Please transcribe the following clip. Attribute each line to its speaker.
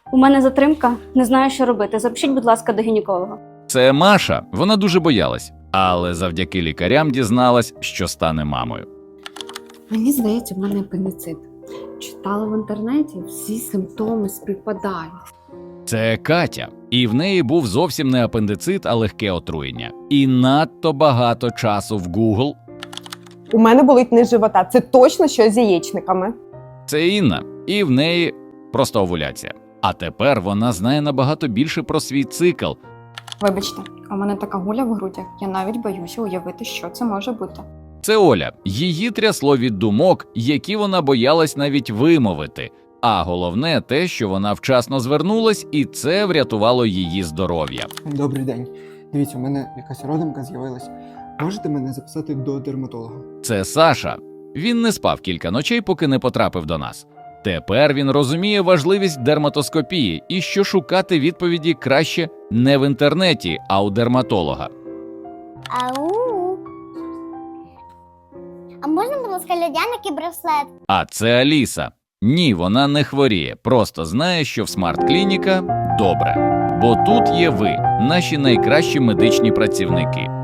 Speaker 1: У мене затримка, не знаю, що робити. Запишіть, будь ласка, до гінеколога.
Speaker 2: Це Маша, вона дуже боялась, але завдяки лікарям дізналась, що стане мамою.
Speaker 3: Мені здається, в мене апендицит. Читала в інтернеті, всі симптоми співпадають.
Speaker 2: Це Катя, і в неї був зовсім не апендицит, а легке отруєння. І надто багато часу в Google.
Speaker 4: У мене болить низ живота. Це точно щось з яєчниками.
Speaker 2: Це Інна, і в неї просто овуляція. А тепер вона знає набагато більше про свій цикл.
Speaker 5: Вибачте, у мене така гуля в грудях, я навіть боюся уявити, що це може бути.
Speaker 2: Це Оля. Її трясло від думок, які вона боялась навіть вимовити. А головне те, що вона вчасно звернулась, і це врятувало її здоров'я.
Speaker 6: Добрий день. Дивіться, у мене якась родимка з'явилась. Можете мене записати до дерматолога?
Speaker 2: Це Саша. Він не спав кілька ночей, поки не потрапив до нас. Тепер він розуміє важливість дерматоскопії і що шукати відповіді краще не в інтернеті, а у дерматолога.
Speaker 7: Ау. А можна, будь ласка, льодяник і браслет?
Speaker 2: А це Аліса. Ні, вона не хворіє, просто знає, що в смарт-клініка добре. Бо тут є ви, наші найкращі медичні працівники.